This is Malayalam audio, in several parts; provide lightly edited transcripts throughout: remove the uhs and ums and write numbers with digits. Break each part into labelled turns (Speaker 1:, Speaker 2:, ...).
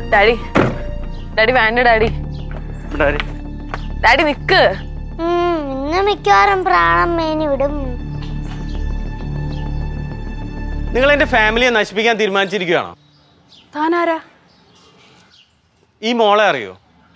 Speaker 1: ഡാഡി ഡാഡി വേണ്ട ഡാഡി. ഡാഡി നിക്ക്.
Speaker 2: ഇന്ന് മിക്കവാറും പ്രാണം മേനി വിടും.
Speaker 3: നിങ്ങൾ എന്റെ ഫാമിലിയെ നശിപ്പിക്കാൻ തീരുമാനിച്ചിരിക്കുകയാണോ?
Speaker 1: താനാരാ?
Speaker 3: ഈ മോളെ അറിയോ?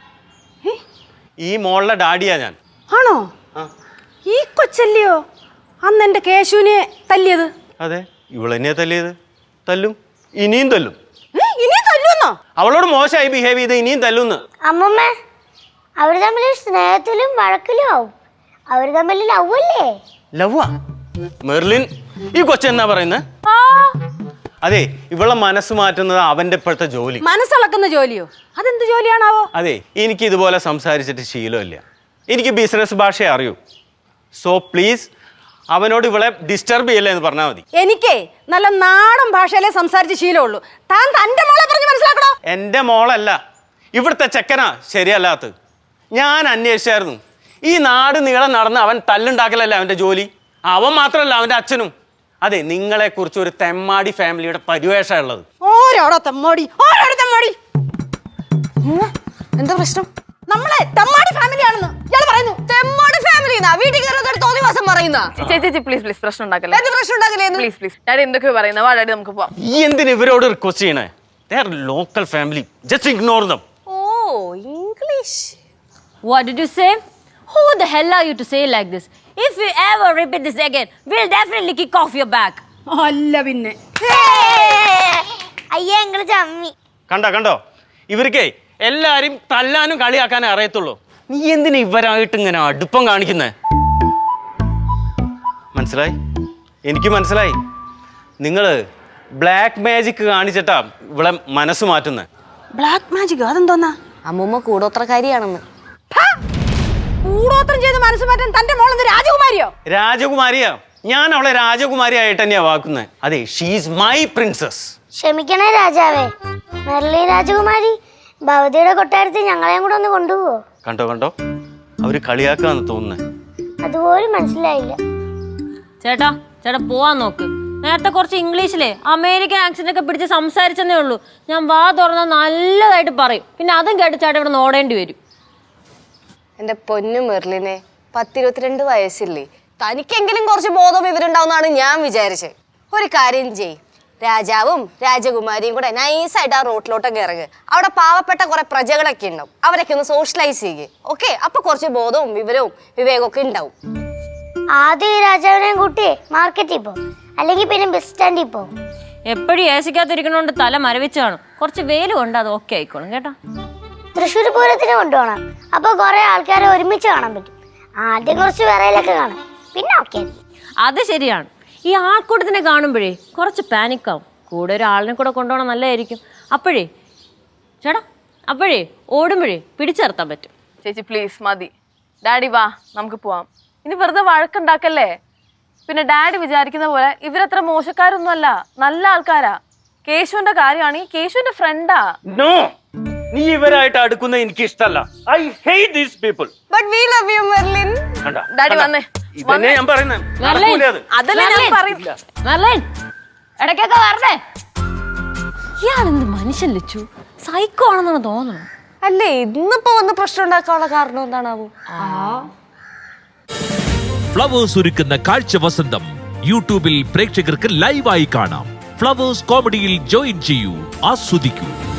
Speaker 3: ഈ മോളുടെ ഡാഡിയാ ഞാൻ.
Speaker 4: ആണോ? ഈ കൊച്ചല്ലയോ അന്ന് എന്റെ കേശുവിനെ തല്ലിയത്?
Speaker 3: അതെ, ഇവളെന്നെയാ തല്ലിയത്. തല്ലും, ഇനിയും തല്ലും.
Speaker 4: ഇനിയും തല്ലുന്നോ?
Speaker 3: അവളോട് മോശമായി ബിഹേവ് ചെയ്ത് ഇനിയും തല്ലുന്ന്.
Speaker 2: അമ്മമ്മ, അവര് തമ്മിൽ സ്നേഹത്തിലും വഴക്കിലും ആവും. അവര് തമ്മിൽ ലവ്വല്ലേ?
Speaker 3: ലവ്വാ? മെർലിൻ, ഈ കൊച്ചെന്നാ പറയുന്നത്? അതെ, ഇവളെ മനസ്സ് മാറ്റുന്നത് അവന്റെ ഇപ്പോഴത്തെ ജോലി.
Speaker 4: മനസ്സിളക്കുന്ന ജോലിയോ? അതെന്ത് ജോലിയാണാവോ?
Speaker 3: അതെ, എനിക്ക് ഇതുപോലെ സംസാരിച്ചിട്ട് ശീലമില്ല. എനിക്ക് ബിസിനസ് ഭാഷ അറിയൂ. സോ പ്ലീസ് അവനോട് ഇവളെ ഡിസ്റ്റർബ് ചെയ്യല്ലേ എന്ന് പറഞ്ഞാൽ മതി.
Speaker 4: എനിക്കേ നല്ല നാടൻ ഭാഷയിലേ സംസാരിച്ച് ശീലമുള്ളൂ. താൻ തന്റെ മോളെ പറഞ്ഞ് മനസ്സിലാക്കണോ?
Speaker 3: എൻ്റെ മോളല്ല, ഇവിടുത്തെ ചെക്കനാ ശരിയല്ലാത്തത്. ഞാൻ അന്വേഷിച്ചായിരുന്നു. ഈ നാട് നീളം നടന്ന് അവൻ തല്ലുണ്ടാക്കലല്ല അവൻ്റെ ജോലി. അവൻ മാത്രമല്ല, അവൻ്റെ അച്ഛനും. അതെ, നിങ്ങളെക്കുറിച്ച് ഒരു തെമ്മാടി ഫാമിലിയുടെ പരിവേഷമാണ് ഉള്ളത്.
Speaker 4: ഓരോടോ തെമ്മാടി, ഓരോടോ തെമ്മാടി.
Speaker 1: എന്താ പ്രശ്നം?
Speaker 4: നമ്മളെ തെമ്മാടി ഫാമിലിയാണെന്ന് ഇയാൾ പറയുന്നു.
Speaker 1: തെമ്മാടി ഫാമിലി വീട്ടിൽ കയറുന്ന തോന്നി വാസം പറയുന്ന. ചേച്ചി പ്ലീസ് പ്ലീസ് പ്രശ്നം ഉണ്ടാക്കല്ലേ. പ്രശ്നം ഉണ്ടാക്കല്ലേ? പ്ലീസ് പ്ലീസ് ഡാഡി എന്തൊക്കെയോ പറയുന്നത്. വാ ഡാഡി നമുക്ക് പോവാം.
Speaker 3: ഈ എന്തിന് ഇവരോട് റിക്വസ്റ്റ് ചെയ്യണേ? They are local family, just ignore them.
Speaker 1: ഓ, English.
Speaker 5: What did you say? Who the hell are you to say like this? If you ever repeat this again, we'll definitely kick off your back.
Speaker 4: അല്ല പിന്നെ.
Speaker 2: അയ്യേ നിങ്ങള് ചമ്മി.
Speaker 3: കണ്ടോ ഇവർക്കേ എല്ലാരും തല്ലാനും കളിയാക്കാനേ അറിയത്തുള്ളൂ. നീ എന്തിനാ ഇവരായിട്ട് ഇങ്ങനെ അടുപ്പം കാണിക്കുന്നേ? മനസ്സിലായി? എനിക്ക് മനസ്സിലായി. നിങ്ങള് ബ്ലാക്ക് മാജിക് കാണിച്ചിട്ടാ ഇവിടെ മനസ്സ് മാറ്റുന്നത്.
Speaker 4: ബ്ലാക്ക് മാജിക് അതെന്തോന്നാ?
Speaker 1: അമ്മൂമ്മ കൂടോത്രക്കാരിയാണെന്ന്.
Speaker 4: കൂടോത്രം ചെയ്ത് മനസ്സ് മാറ്റാൻ തന്റെ മോളെന്ത് രാജകുമാരിയോ?
Speaker 3: രാജകുമാരിയാ. ഞാൻ അവളെ രാജകുമാരിയായിട്ട് തന്നെയാ വാക്കുന്നത്. അതെ, ഷീസ് മൈ പ്രിൻസസ്.
Speaker 2: ക്ഷമിക്കണേ രാജാവേ. മെർലിൻ രാജകുമാരി ഭവതിയുടെ കൊട്ടാരത്തിൽ ഞങ്ങളെയും കൂടെ ഒന്ന് കൊണ്ടുപോവോ?
Speaker 3: കണ്ടോ അവര് കളിയാക്കാന്ന് തോന്നുന്നത്.
Speaker 2: അതുപോലും മനസ്സിലായില്ല.
Speaker 5: ചേട്ടാ പോവാൻ നോക്ക്. നേരത്തെ കുറച്ച് ഇംഗ്ലീഷിലെ അമേരിക്കൻ ആക്സെന്റ് ഒക്കെ പിടിച്ച് സംസാരിച്ചെന്നേ ഉള്ളൂ. ഞാൻ വാ തുറന്നാൽ നല്ലതായിട്ട് പറയും. പിന്നെ അതും കേട്ട് ചേട്ടാ ഇവിടെ നോടേണ്ടി വരും.
Speaker 1: എന്റെ പൊന്നു മെർലിനെ, 10-22 വയസ്സില്ലേ? തനിക്കെങ്കിലും കുറച്ച് ബോധം ഇവരുണ്ടാവുന്നതാണ് ഞാൻ വിചാരിച്ചത്. ഒരു കാര്യം ചെയ്, രാജാവും രാജകുമാരിയും കൂടെ നൈസായിട്ട് ആ റോട്ടിലോട്ടൊക്കെ ഇറങ്ങുക. അവിടെ പാവപ്പെട്ട കുറെ പ്രജകളൊക്കെ ഉണ്ടാവും. അവരൊക്കെ ഒന്ന് സോഷ്യലൈസ് ചെയ്യുക. ഓക്കെ, അപ്പൊ കുറച്ച് ബോധവും വിവരവും വിവേകമൊക്കെ ഉണ്ടാവും.
Speaker 2: ആദ്യം ഈ രാജാവിനെയും കൂട്ടി മാർക്കറ്റിൽ പോകും, അല്ലെങ്കിൽ പിന്നെ ബസ് സ്റ്റാൻഡിൽ പോകും.
Speaker 5: എപ്പോഴും ഏസിക്കാത്തിരിക്കണോണ്ട് തല മരവിച്ച് കാണും. കുറച്ച് വെയില് കൊണ്ട് അത് ഓക്കെ ആയിക്കോളും കേട്ടോ.
Speaker 2: തൃശ്ശൂർ പൂരത്തിന് കൊണ്ടുപോകണം. അപ്പൊ കുറെ ആൾക്കാരെ ഒരുമിച്ച് കാണാൻ പറ്റും. ആദ്യം കുറച്ച് വിറയിലൊക്കെ കാണും, പിന്നെ ഓക്കെ.
Speaker 5: അത് ശരിയാണ്. ഈ ആൾക്കൂട്ടത്തിനെ കാണുമ്പോഴേ കുറച്ച് പാനിക്കാവും. കൂടെ ഒരാളിനെ കൂടെ കൊണ്ടുപോകണം നല്ലതായിരിക്കും. അപ്പോഴേ ഓടുമ്പോഴേ പിടിച്ചിർത്താൻ പറ്റും.
Speaker 1: ചേച്ചി പ്ലീസ് മതി. ഡാഡി വാ നമുക്ക് പോവാം. ഇനി വെറുതെ വഴക്കുണ്ടാക്കല്ലേ. പിന്നെ ഡാഡി വിചാരിക്കുന്ന പോലെ ഇവരത്ര മോശക്കാരൊന്നുമല്ല, നല്ല ആൾക്കാരാ. കേശുവിന്റെ കാര്യമാണ്, കേശുവിന്റെ ഫ്രണ്ടാ.
Speaker 3: നോ, നീ ഇവരായിട്ട് അടുക്കുന്ന എനിക്ക് ഇഷ്ടമല്ല. I hate these people.
Speaker 1: But we love you Merlin. Daddy വന്നേ.
Speaker 3: ഇതന്നെ ഞാൻ പറയുന്നത്.
Speaker 5: ഇടയ്ക്കൊക്കെ വരണേ. ഇയാളെന്ത് മനുഷ്യൻ ലച്ചു, സൈക്കോ ആണെന്നാണ് തോന്നുന്നത്.
Speaker 1: അല്ലേ, ഇന്നിപ്പോ വന്ന് പ്രശ്നം ഉണ്ടാക്കാനുള്ള കാരണം എന്താണാവോ?
Speaker 6: ഫ്ലവേഴ്സ് ഒരുക്കുന്ന കാഴ്ച വസന്തം യൂട്യൂബിൽ പ്രേക്ഷകർക്ക് ലൈവായി കാണാം. ഫ്ലവേഴ്സ് കോമഡിയിൽ ജോയിൻ ചെയ്യൂ, ആസ്വദിക്കൂ.